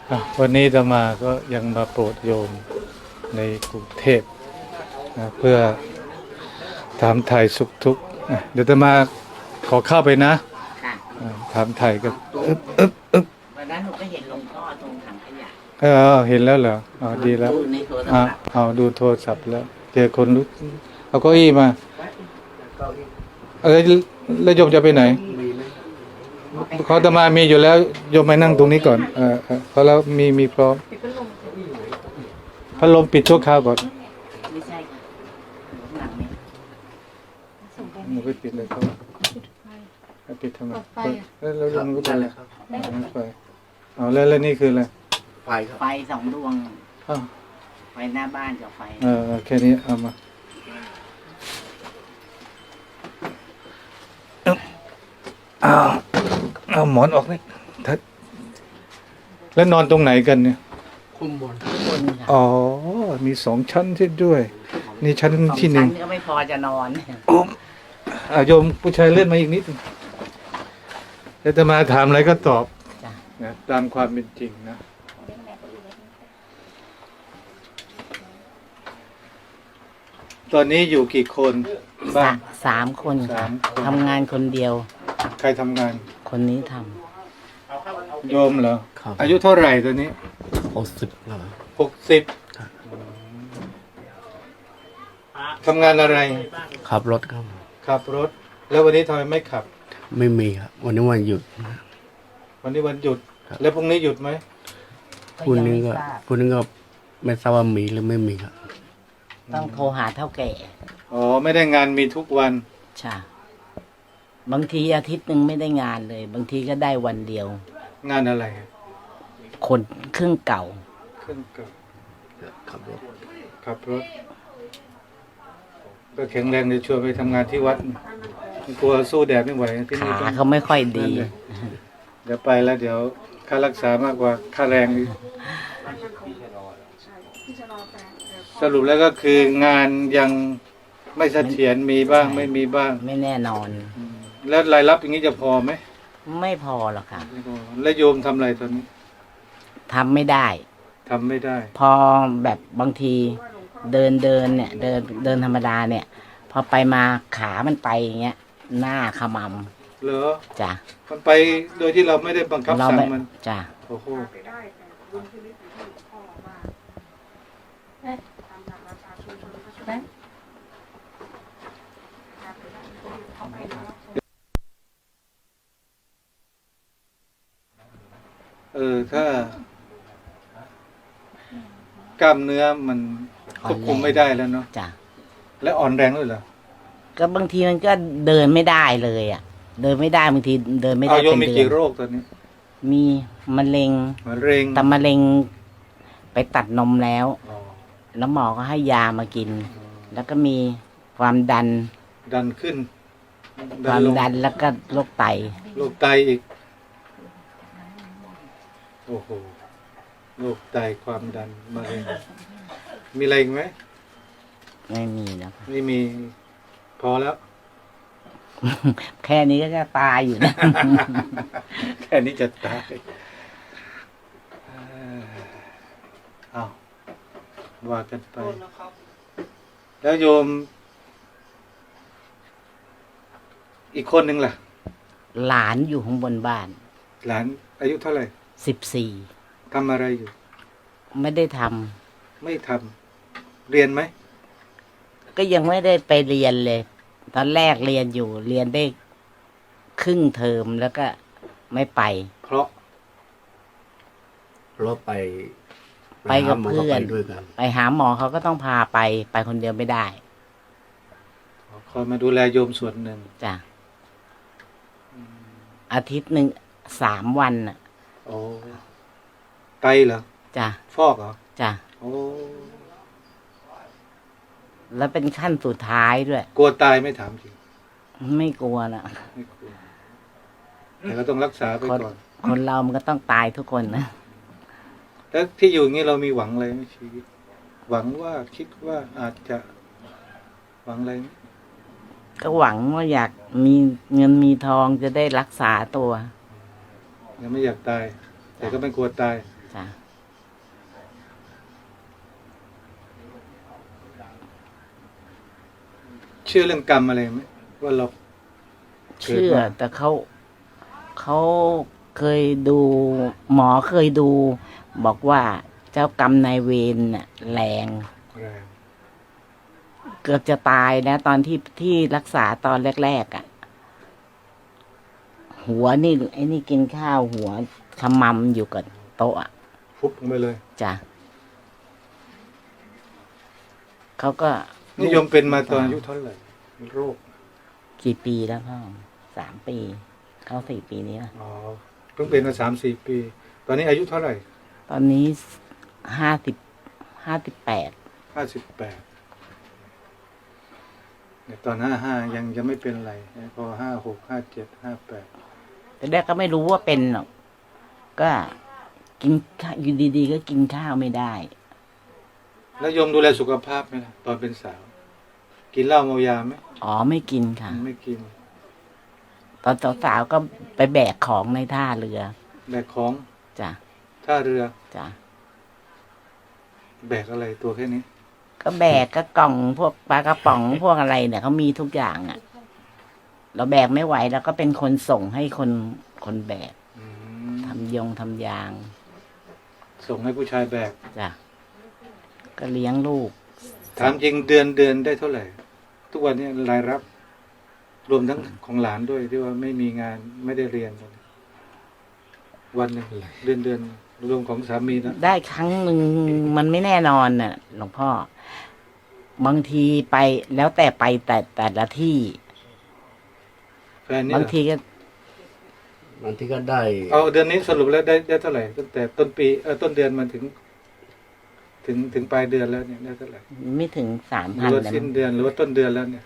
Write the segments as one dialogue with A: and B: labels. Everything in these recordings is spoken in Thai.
A: วันนี้อาตมาก็ยังมาโปรดโยมในกรุงเทพนะเพื่อถามไถ่สุขทุกข์เดี๋ยวอาตมาขอเข้าไปนะ
B: ค่ะ
A: ถามไถ่กัน
B: วันนั้นหนูก็เห็นหลวงพ่อตรงถังขยะ
A: เห็นแล้วเหรอดีแล้ว
B: ดูในโทรศัพท์
A: ดูโทรศัพท์แล้วเจอคนรู้เอาเก้าอี้มาแล้วโยมจะไปไหนเขาอาตมามีอยู่แล้วโยมไปนั่งตรงนี้ก่อนเพราะแล้วมีพร้อมพัดลมปิดชั่วคราวก่อน
B: ไม่ใช่ค่ะหลังนี้
A: หนูไปปิดเลยครับปิดทำไมแล้วลงก็ไปเลยครับไฟแล้วนี่คืออะไร
C: ไฟครับ
B: ไฟ2 ดวงไฟหน้าบ้านกับไฟ
A: แค่นี้เอามาเอาหมอนออกนี่แล้วนอนตรงไหนกันเนี่ย
C: คุมบน
A: อ๋อมี2 ชั้นที่ด้วยนี่ชั้นที่1
B: ก็ไม่พอจะนอน
A: โยมผู้ชายเลื่อนมาอีกนิดแล้วจะมาถามอะไรก็ตอบนะตามความเป็นจริงนะตอนนี้อยู่กี่คนบ้าง
B: 3 คนค่ะทำงานคนเดียว
A: ใครทำงาน
B: คนนี้ท
A: ำโยมเหรออายุเท่าไหร่ตอนนี้
C: 60แล้ว
A: 60ทำงานอะไร
C: ขับรถครับ
A: ขับรถแล้ววันนี้ทำไมไม่ขับ
C: ไม่มีครับวันนี้วันหยุด
A: วันนี้วันหยุดแล้วพรุ่งนี้หยุดไหม
C: พรุ่งนี้ก็ไม่ทราบว่ามีหรือไม่มีครับ
B: ต้องโทรหาเท่าแก่
A: ไม่ได้งานมีทุกวัน
B: ใช่บางทีอาทิตย์หนึ่งไม่ได้งานเลยบางทีก็ได้วันเดียว
A: งานอะไร
B: คนเครื่องเก่า
C: ขับ
A: รถก็แข็งแรงเลยชวนไปทำงานที่วัดกลัวสู้แดดไม่ไหวที่นี่
B: ขาเขาไม่ค่อยดี
A: เดี๋ยวไปแล้วเดี๋ยวค่ารักษามากกว่าค่าแรงสรุปแล้วก็คืองานยังไม่เสถียรมีบ้างไม่มีบ้าง
B: ไม่แน่นอน
A: แล้วรายรับอย่างนี้จะพอไหม
B: ไม่พอหรอกค่ะ
A: แล้วโยมทำอะไรตอนนี้
B: ทำไม่ได้พอแบบบางทีเดินเนี่ยเดินธรรมดาเนี่ยพอไปมาขามันไปอย่างเงี้ยหน้าขม
A: ำเหรอ
B: จ้ะ
A: มันไปโดยที่เราไม่ได้บังคับสั่งมัน
B: จ้ะ
A: โอ้โหถ้ากล้ามเนื้อมันควบคุมไม่ได้แล้วเนาะ
B: จ้ะ
A: แล้วอ่อนแรงด้วยเหรอ
B: ก็บางทีมันก็เดินไม่ได้เลยเดินไม่ได้บางทีเดินไม่ได้เป็นเดือน
A: มีกี่โรคตอนนี้
B: มีมะเร็งแต่มะเร็งไปตัดนมแล้วหมอก็ให้ยามากินแล้วก็มีความดัน
A: ขึ้น
B: ความดันแล้วก็โรคไต
A: อีกโอ้โหโรคไตความดันมะเร็งมีอะไรอีกไหม
B: ไม่มีนะ
A: ไม่มีพอแล้ว
B: แค่นี้ก็จะตายอยู่นะ
A: แค่นี้จะตายว่ากันไปแล้วโยมอีกคนหนึ่งล่ะ
B: หลานอยู่ข้างบนบ้าน
A: หลานอายุเท่าไหร่
B: 14
A: ทำอะไรอยู่
B: ไม่ได้ท
A: ำไม่ทำเรียนไหม
B: ก็ยังไม่ได้ไปเรียนเลยตอนแรกเรียนได้ครึ่งเทอมแล้วก็ไม่ไป
A: เพราะ
B: ไปกับเพื่อนไปหาหมอเขาก็ต้องพาไปคนเดียวไม่ได้
A: คอยมาดูแลโยมส่วนหนึ่ง
B: จ้ะอาทิตย์หนึ่ง3 วัน
A: โอ้ไตเหรอ
B: จ้ะ
A: ฟอกเหรอ
B: จ้ะ
A: โอ้
B: แล้วเป็นขั้นสุดท้ายด้วย
A: กลัวตายไม่ถามจริง
B: ไม่กลัวนะ
A: ไม่กลัวแต่ก็ต้องรักษาไปก่อน
B: คนเรามันก็ต้องตายทุกคนนะ
A: แล้วที่อยู่อย่างนี้เรามีหวังอะไรไหมชีวิตหวังว่าคิดว่าอาจจะหวังอะไรไหม
B: ก็หวังว่าอยากมีเงินมีทองจะได้รักษาตัว
A: ยังไม่อยากตายแต่ก็ไม่กลัวตาย
B: จ้ะ
A: เชื่อเรื่องกรรมอะไรไหมว่าเรา
B: เชื่อแต่เขาเคยดู หมอเคยดู บอกว่าเจ้ากรรมนายเวรน่ะแรง
A: แรง
B: เกือบจะตายนะตอนที่รักษาตอนแรกๆอ่ะ หัวนี่ไอ้นี่กินข้าวหัวขมำอยู่กับโต๊ะอะ
A: ฟุบลงไปเลย
B: จ้ะเขาก็
A: นิยมเป็นมาตอนอายุเท่าไหร่โรค
B: กี่ปีแล้วพ่อ3 ปี เข้า4 ปีนี้ละ
A: อ๋อเพิ่งเป็นมา3-4 ปี ตอนนี้อายุเท่าไหร่
B: ตอนนี้58
A: 58เนี่ยตอน55ยังไม่เป็นไรพอ56 57 58
B: แต่แรกก็ไม่รู้ว่าเป็นหรอกก็กินข้าวอยู่ดีๆก็กินข้าวไม่ได้
A: แล้วโยมดูแลสุขภาพไหมล่ะตอนเป็นสาว กินเหล้าเมายาไหม
B: อ๋อไม่กินค่ะ
A: ไม่กิน
B: ตอนสาวๆก็ไปแบกของในท่าเรือ
A: แบกของ
B: จ้ะ
A: ท่าเรือ
B: จ้ะ
A: แบกอะไรตัวแค่นี้
B: ก็แบกก็กล่องพวกปลากระป๋อง พวกอะไรเนี่ยเขามีทุกอย่างอ่ะ เราแบกไม่ไหวแล้วก็เป็นคนส่งให้คนแบก
A: อืม
B: ทำยาง
A: ส่งให้ผู้ชายแบก
B: จ้ะก็เลี้ยงลูก
A: ถามจริงเดือนได้เท่าไหร่ ทุกวันนี้รายรับ รวมทั้งของหลานด้วยที่ว่าไม่มีงานไม่ได้เรียน วันหนึ่งเดือนรวมของสามีนะ
B: ได้ครั้งหนึ่งมันไม่แน่นอนน่ะหลวงพ่อ บางทีไปแล้วแต่ไปแต่ละที่
A: แฟนนี่
B: บางทีก็
C: บางทีก็ได้
A: เอาเดือนนี้สรุปแล้วได้เท่าไหร่ตั้งแต่ต้นปีต้นเดือนมาถึงปลายเดือนแล้วเนี่ยได้เท่าไหร่
B: ไม่ถึง
A: หรือ
B: 3,000
A: ว่า
B: เลย
A: สิ้น
B: มั้ง
A: เดือนหรือว่าต้นเดือนแล้วเนี่ย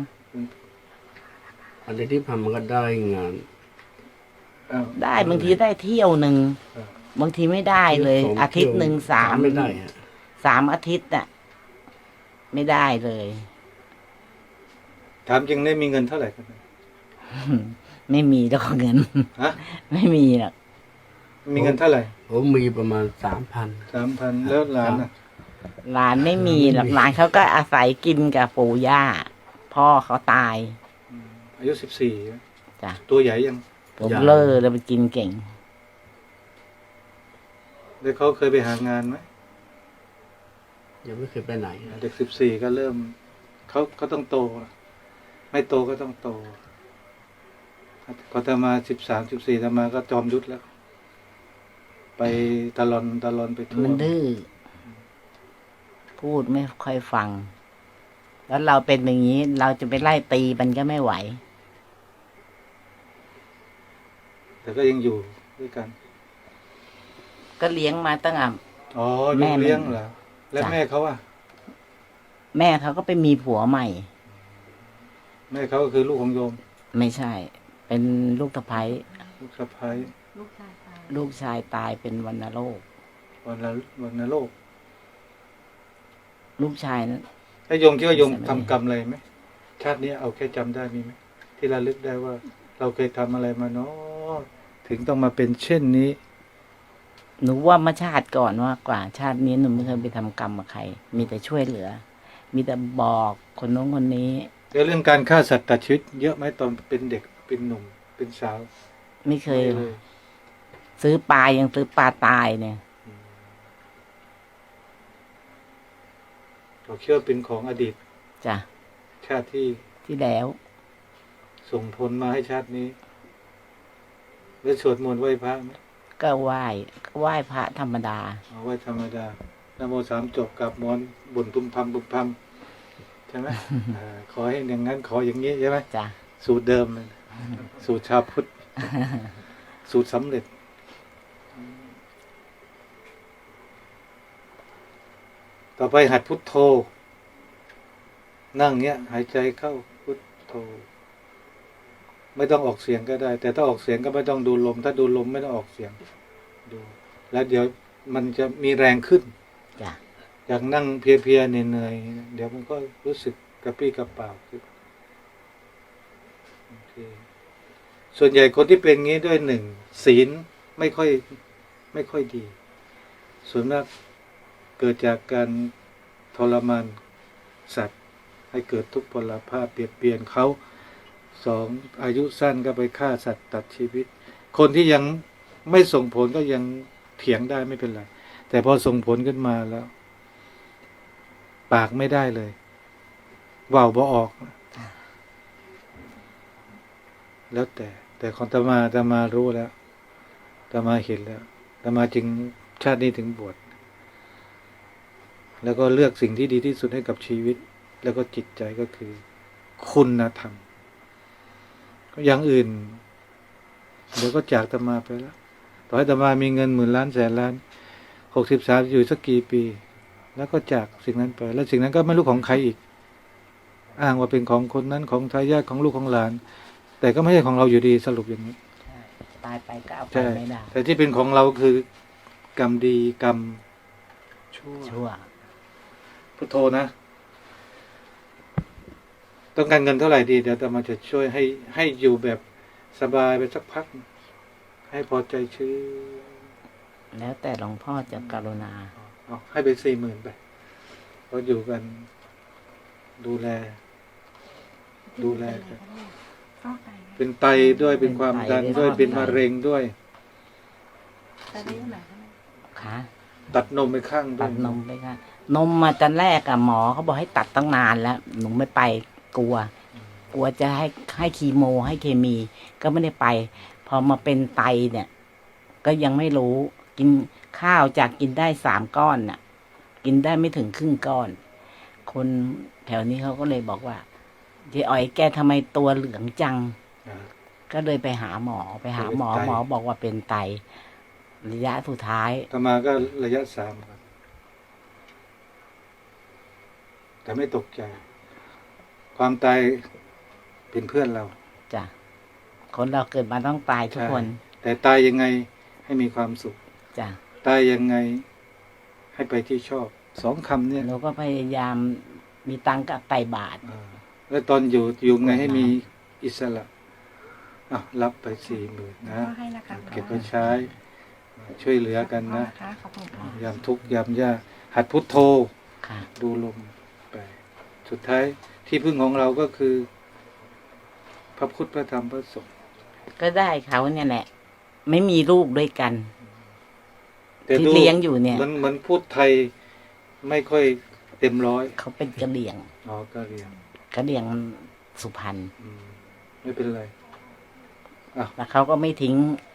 C: อันที่ผ่านมันก็ได้งาน
A: อ้าว
B: ได้บางทีได้เที่ยวหนึ่ง
A: อ่า
B: บางทีไม่ได้เลย อาทิตย์หนึ่ง3
C: ไม่ได้ฮะ
B: 3 อาทิตย์น่ะ ไม่ได้เลย
A: ถามจริงได้มีเงินเท่าไหร่กัน
B: ไม่มีแล้วก็เงิน
A: ฮะ
B: ไม่มีหรอก
A: มีเงินเท่าไหร่
C: ผมมีประมาณ3,000
A: 3,000แล้วหลานน่ะ
B: หลานไม่มีหรอกหลานเขาก็อาศัยกินกับปู่ย่า พ่อเขาตาย
A: อายุ14
B: จ้ะ
A: ตัวใหญ่ยัง
B: ผมเลอเลยไปกินเก่ง
A: แล้วเขาเคยไปหางานไหม
C: ยังไม่เคยไปไหน
A: เด็ก14ก็เริ่มเขาต้องโต ไม่โตก็ต้องโตพอจะมา13-14จะมาก็จอมยุทธแล้ว ไปตะลอนไปทั่ว
B: มันดื้อ พูดไม่ค่อยฟัง แล้วเราเป็นอย่างนี้ เราจะไปไล่ตีมันก็ไม่ไหว
A: แต่ก็ยังอยู่ด้วยกัน
B: ก็เลี้ยงมาตั้งแต่
A: อ๋อ
B: แม่
A: ลูกเลี้ยงเหรอ แล้ว
B: จ้ะ
A: แม่เขาอ่ะ
B: แม่เขาก็ไปมีผัวใหม่
A: แม่เขาก็คือลูกของโยม
B: ไม่ใช่ เป็นลูกสะใภ้
A: ลูกสะใภ้
B: ลูกชายตายเป็นวัณโรค
A: วันนโลก
B: ลูกชายนั้น
A: ถ้าโยมคิดว่าโยม
B: ไม่ใช่
A: ทำกรรมอะไรไหมชาตินี้เอาแค่จำได้มีไหมที่ระลึกได้ว่า เราเคยทำอะไรมาเนาะถึงต้องมาเป็นเช่นนี้
B: หนูว่ามาชาติก่อนว่ากว่า ชาตินี้หนูไม่เคยไปทำกรรมกับใคร มีแต่ช่วยเหลือ มีแต่บอกคนโน้นคนนี้
A: แล้วเรื่องการฆ่าสัตว์ตัดชีวิตเยอะไหมตอนเป็นเด็กเป็นหนุ่มเป็นสาว
B: ไม่เคย
A: ไม่เลย
B: ซื้อปลายังซื้อปลาตายเนี่ย
A: เราเชื่อเป็นของอดีต
B: จ้ะ
A: ชาติที่
B: ที่แล้ว
A: ส่งผลมาให้ชาตินี้ แล้วสวดมนต์ไหว้พระไหม
B: ก็ไหว้พระธรรมดา
A: เอาไหว้ธรรมดานะโม3จบกับมอนบุญพุ่มพำใช่ไหม ขอให้อย่างนั้นขออย่างนี้ใช่ไหม
B: จ้ะ
A: สูตรเดิมเลยสูตรชาวพุทธ สูตรสำเร็จ ต่อไปหัดพุทโธ นั่งเนี้ย หายใจเข้าพุทโธ ไม่ต้องออกเสียงก็ได้ แต่ถ้าออกเสียงก็ไม่ต้องดูลม ถ้าดูลมไม่ต้องออกเสียงดู แล้วเดี๋ยวมันจะมีแรงขึ้น
B: จ้ะ
A: อยากนั่งเพลียๆเหนื่อยๆเดี๋ยวมันก็รู้สึกกระปรี้กระเปร่าขึ้นโอเคส่วนใหญ่คนที่เป็นงี้ด้วยหนึ่งศีลไม่ค่อยดี ส่วนมากเกิดจากการทรมานสัตว์ให้เกิดทุกพลภาพเปลี่ยนเปลี่ยนเขาสองอายุสั้นก็ไปฆ่าสัตว์ตัดชีวิต คนที่ยังไม่ส่งผลก็ยังเถียงได้ไม่เป็นไรแต่พอส่งผลขึ้นมาแล้ว ปากไม่ได้เลยว่าวบ่ออก แล้วแต่ของอาตมารู้แล้วอาตมาเห็นแล้วอาตมาจึงชาตินี้ถึงบวชแล้วก็เลือกสิ่งที่ดีที่สุดให้กับชีวิต แล้วก็จิตใจก็คือ คุณธรรมอย่างอื่นเดี๋ยวก็จากอาตมาไปแล้วต่อให้อาตมามีเงินหมื่นล้านแสนล้าน63อยู่สักกี่ปี แล้วก็จากสิ่งนั้นไป แล้วสิ่งนั้นก็ไม่รู้ของใครอีก อ้างว่าเป็นของคนนั้นของทายาทของลูกของหลาน แต่ก็ไม่ใช่ของเราอยู่ดีสรุปอย่างนี้
B: ตายไปก็เอาไป
A: ใช่
B: ไม่ได้
A: แต่ที่เป็นของเราคือกรรมดีกรรมชั่วพุทโธนะ ต้องการเงินเท่าไหร่ดีเดี๋ยวอาตมาจะช่วยให้อยู่แบบสบายไปสักพัก ให้พอใจชื่อ
B: แล้วแต่หลวงพ่อจะกรุณา
A: เอาให้ไป40,000ไปเพราะอยู่กัน ดูแลกัน เป็นไตด้วยเป็นความดันด้วยเป็นมะเร็งด้วย
B: ขา
A: ตัดนมไปข้างด้
B: ตั
A: วย
B: ดนมไปค่ะนมมาตอนแรกอะหมอเขาบอกให้ตัดตั้งนานแล้ว หนูไม่ไปกลัวจะให้คีโมให้เคมี ก็ไม่ได้ไป พอมาเป็นไตเนี่ย ก็ยังไม่รู้กินข้าวจากกินได้3 ก้อนน่ะ กินได้ไม่ถึงครึ่งก้อน คนแถวนี้เขาก็เลยบอกว่าเจ๊อ๋อยแกทำไมตัวเหลืองจัง ก็เลยไปหาหมอหมอบอกว่าเป็นไตระยะสุดท้าย
A: ต่อมาก็ระยะ3ครับแต่ไม่ตกใจ ความตายเป็นเพื่อนเรา
B: จ้ะคนเราเกิดมาต้องตายทุกคน
A: แต่ตายยังไงให้มีความสุข
B: จ้ะ
A: ตายยังไงให้ไปที่ชอบ2 คำเนี่ย
B: เราก็พยายามมีตังค์กับไตบาท
A: แล้วตอนอยู่ไงให้มีอิสระรับไป40,000นะเก็บไว้ใช้ ช่วยเหลือกันนะยามทุกข์ยามยากหัดพุทโธ
B: ค่ะ
A: ดูลมไป สุดท้ายที่พึ่งของเราก็คือ พระพุทธพระธรรมพระสงฆ์
B: ก็ได้เขาเนี่ยแหละ ไม่มีลูกด้วยกัน
A: แต่
B: ที่
A: ดู
B: เลี้ยงอยู่เนี่ย
A: มันพูดไทยไม่ค่อยเต็มร้อย
B: เขาเป็นกะเหรี่ยง
A: ก็เรียน
B: กะเหรี่ยงสุพรรณ
A: ไม่เป็นไร
B: แล้วเขาก็ไม่ทิ้ง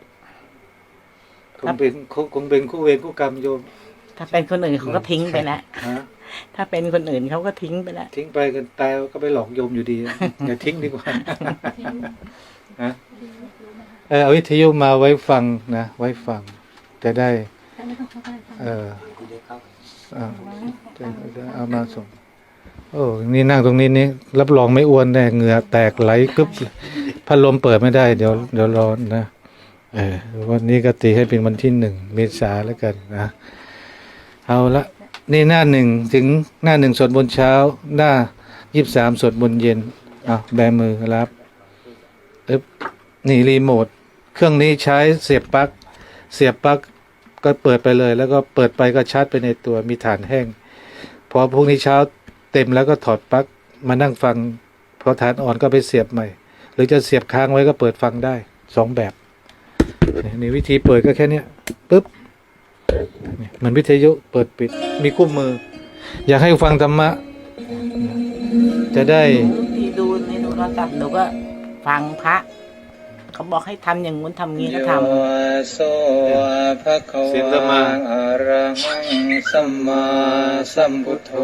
A: คงเป็นคู่เวรคู่กรรมโยม
B: ถ้าเป็นคนอื่นเขาก็ทิ้งไปแล้ว
A: ฮะ
B: ถ้าเป็นคนอื่นเขาก็ทิ้งไปแล้ว
A: ทิ้งไปกันตายก็ไปหลอกโยมอยู่ดี อย่าทิ้งดีกว่าฮะเอาวิทยุมาไว้ฟังนะไว้ฟังจะได้จะเอามาส่ง โอ้นี่นั่งตรงนี้นี่รับรองไม่อ้วนแน่เหงื่อแตกไหลกึบพัดลมเปิดไม่ได้เดี๋ยวร้อนนะวันนี้ก็ตีให้เป็นวันที่1 เมษายนแล้วกันนะเอาละนี่หน้า1ถึงหน้า1สวดมนต์เช้าหน้า23สวดมนต์เย็นแบมือรับนี่รีโมทเครื่องนี้ใช้เสียบปลั๊กก็เปิดไปเลย แล้วก็เปิดไปก็ชาร์จไปในตัวมีฐานแห้งพอพรุ่งนี้เช้าเต็มแล้วก็ถอดปลั๊กมานั่งฟังพอฐานอ่อนก็ไปเสียบใหม่ หรือจะเสียบค้างไว้ก็เปิดฟังได้2 แบบนี่วิธีเปิดก็แค่นี้ปึ๊บมันวิทยุเปิดปิดมีคู่มือ อยากให้ฟังธรรมะจะได้
B: ที่ดูในโทรศัพท์หนูก็ฟังพระ เขาบอกให้ทำอย่างงู้นทำงี้ก็ทำ
A: เสียงธรรมะ
D: อะระหังสัมมาสัมพุทโธ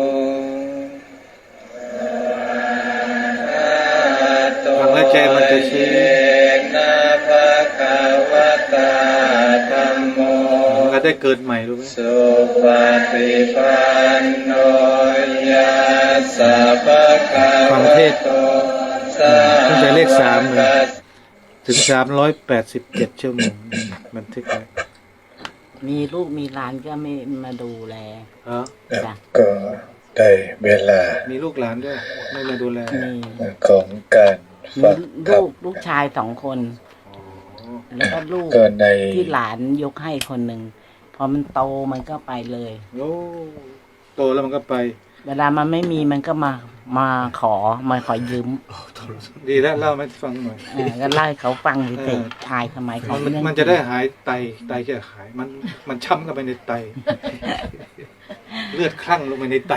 A: ฟังแล้วใจมันจะชื้น
D: นะภะคะวะตาธัมโม
A: มันก็ได้เกิดใหม่รู้ไหม
D: สุปฏิปันโนยัสสะภะคะวะโตสา
A: ตั้งแต่เลข3เลยถึง387 ชั่วโมงบันทึกไว้
B: มีลูกมีหลานก็ไม่มาดูแลจ้ะ
D: ก็ได้เวลา
A: มีลูกหลานด้วยไม่มาดูแล
B: มี
D: ของการ
B: มี
D: ฟังธรรม
B: ลูกชาย2 คน แล้วก็ลูก
D: ก็ใน
B: ที่หลานยกให้คนหนึ่ง พอมันโตมันก็ไปเลย
A: โอ้โตแล้วมันก็ไป
B: เวลามันไม่มีมันก็มาขอยืม
A: ดีแล้วเล่าให้ฟังหน่อย
B: ก็เล่าให้เขาฟังเฉ
A: เอย อ
B: ๆทายทำไมเขา
A: มันจะได้หายไตจะหายมันช้ำกันไปในไต เลือดคลั่งลงไปในไต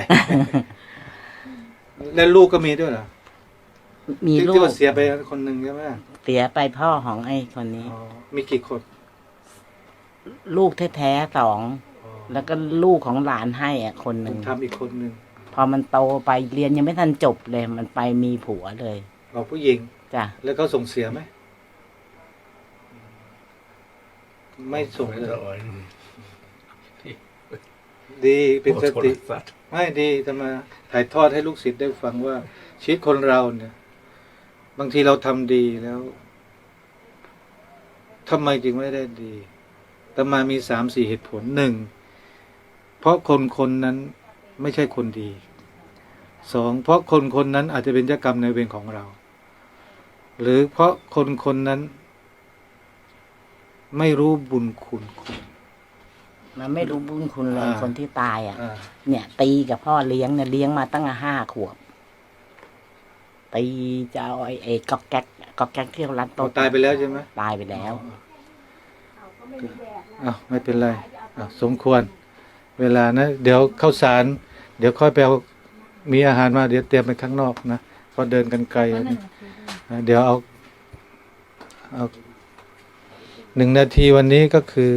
A: แล้วลูกก็มีด้วยเหรอ
B: มีลู
A: ที่
B: ก
A: ว่าเสียไปคนหนึ่งใช่ไหม
B: เสียไปพ่อของไอ้คนนี้
A: อ๋อมีกี่คน
B: ลูกแท้ๆ2
A: อ๋อ
B: แล้วก็ลูกของหลานให้อ่ะคนหนึ่ง
A: ทำอีกคนหนึ่ง
B: พอมันโตไปเรียนยังไม่ทันจบเลย มันไปมีผัวเลย
A: เราผู้หญิง
B: จ้ะ
A: แล้วเขาส่งเสียไหมไม่ส่งเลย ดีเป็นสติไม่ดีจะมาถ่ายทอดให้ลูกศิษย์ได้ฟังว่าชีวิตคนเราเนี่ย บางทีเราทำดีแล้วทำไมจึงไม่ได้ดีแต่มามี3-4เหตุผล1เพราะคนนั้นไม่ใช่คนดี2เพราะคนนั้นอาจจะเป็นเจ้ากรรมนายเวรของเรา หรือเพราะคนนั้นไม่รู้บุญคุณ
B: มันไม่รู้บุญคุณเลย คนที่ตายอ่ะ
A: อ่า
B: เนี่ย ตีกับพ่อเลี้ยงเนี่ยเลี้ยงมาตั้ง5 ขวบตีจะเอาไอ้ก๊อกแก๊กที่เขารัด
A: เรา
B: โต๊ะ
A: ตายไปแล้วใช่ไหม
B: ตายไปแล้ว
A: อ้าวไม่เป็นไรอ้าวสมควร เวลานะเดี๋ยวเข้าสาร เดี๋ยวค่อยไปเอามีอาหารมาเดี๋ยวเตรียมไปข้างนอกนะเพราะเดินกันไกลนะเดี๋ยวเอา1 นาทีวันนี้ก็คือ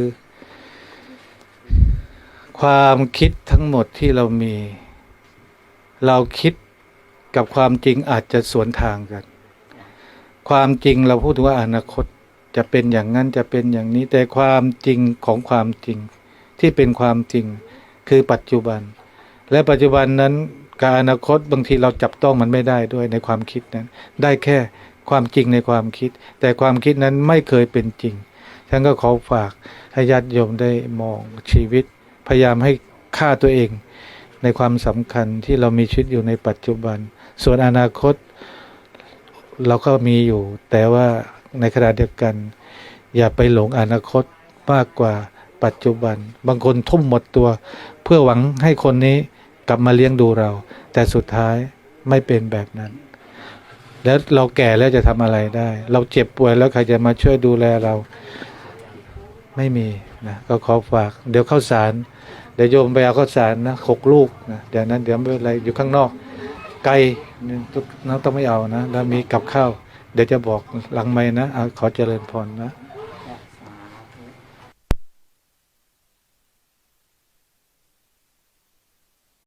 A: ความคิดทั้งหมดที่เรามี เราคิดกับความจริงอาจจะสวนทางกัน ความจริงเราพูดถึงว่าอนาคตจะเป็นอย่างนั้นจะเป็นอย่างนี้ แต่ความจริงของความจริงที่เป็นความจริงคือปัจจุบัน และปัจจุบันนั้นกับอนาคตบางทีเราจับต้องมันไม่ได้ด้วยในความคิดนั้น ได้แค่ความจริงในความคิด แต่ความคิดนั้นไม่เคยเป็นจริงฉันก็ขอฝากให้ญาติโยมได้มองชีวิต พยายามให้ค่าตัวเองในความสำคัญที่เรามีชีวิตอยู่ในปัจจุบัน ส่วนอนาคตเราก็มีอยู่ แต่ว่าในขณะเดียวกัน อย่าไปหลงอนาคตมากกว่าปัจจุบัน บางคนทุ่มหมดตัว เพื่อหวังให้คนนี้กลับมาเลี้ยงดูเรา แต่สุดท้ายไม่เป็นแบบนั้น แล้วเราแก่แล้วจะทำอะไรได้ เราเจ็บป่วยแล้วใครจะมาช่วยดูแลเราไม่มีนะก็ขอฝากเดี๋ยวเข้าสารเดี๋ยวโยมไปเอาข้าวสารนะ6 ลูกนะเดี๋ยวนั้นเดี๋ยวไม่เป็นไรอยู่ข้างนอกไกลน้องต้องไม่เอานะแล้วมีกับข้าวเดี๋ยวจะบอกหลังไมค์นะขอเจริญพรนะ